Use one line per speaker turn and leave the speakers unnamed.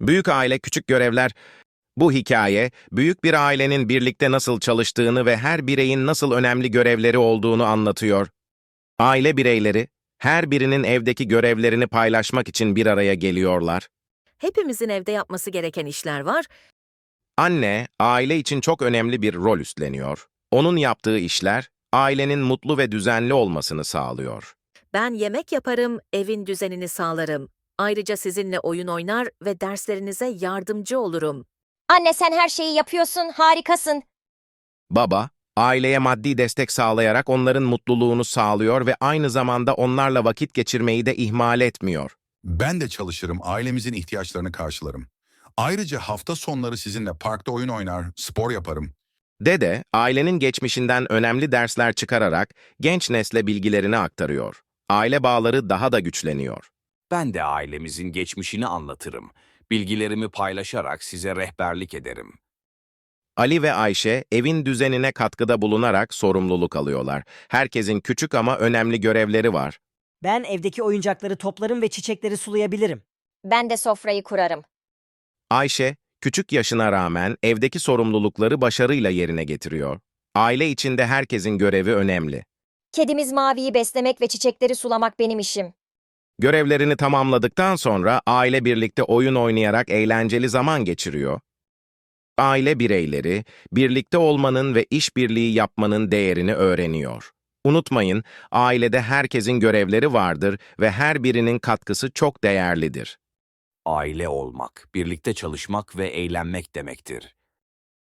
Büyük aile, küçük görevler. Bu hikaye, büyük bir ailenin birlikte nasıl çalıştığını ve her bireyin nasıl önemli görevleri olduğunu anlatıyor. Aile bireyleri, her birinin evdeki görevlerini paylaşmak için bir araya geliyorlar.
Hepimizin evde yapması gereken işler var.
Anne, aile için çok önemli bir rol üstleniyor. Onun yaptığı işler, ailenin mutlu ve düzenli olmasını sağlıyor.
Ben yemek yaparım, evin düzenini sağlarım. Ayrıca sizinle oyun oynar ve derslerinize yardımcı olurum.
Anne sen her şeyi yapıyorsun, harikasın.
Baba, aileye maddi destek sağlayarak onların mutluluğunu sağlıyor ve aynı zamanda onlarla vakit geçirmeyi de ihmal etmiyor.
Ben de çalışırım, ailemizin ihtiyaçlarını karşılarım. Ayrıca hafta sonları sizinle parkta oyun oynar, spor yaparım.
Dede, ailenin geçmişinden önemli dersler çıkararak genç nesle bilgilerini aktarıyor. Aile bağları daha da güçleniyor.
Ben de ailemizin geçmişini anlatırım. Bilgilerimi paylaşarak size rehberlik ederim.
Ali ve Ayşe, evin düzenine katkıda bulunarak sorumluluk alıyorlar. Herkesin küçük ama önemli görevleri var.
Ben evdeki oyuncakları toplarım ve çiçekleri sulayabilirim.
Ben de sofrayı kurarım.
Ayşe, küçük yaşına rağmen evdeki sorumlulukları başarıyla yerine getiriyor. Aile içinde herkesin görevi önemli.
Kedimiz Mavi'yi beslemek ve çiçekleri sulamak benim işim.
Görevlerini tamamladıktan sonra aile birlikte oyun oynayarak eğlenceli zaman geçiriyor. Aile bireyleri, birlikte olmanın ve işbirliği yapmanın değerini öğreniyor. Unutmayın, ailede herkesin görevleri vardır ve her birinin katkısı çok değerlidir.
Aile olmak, birlikte çalışmak ve eğlenmek demektir.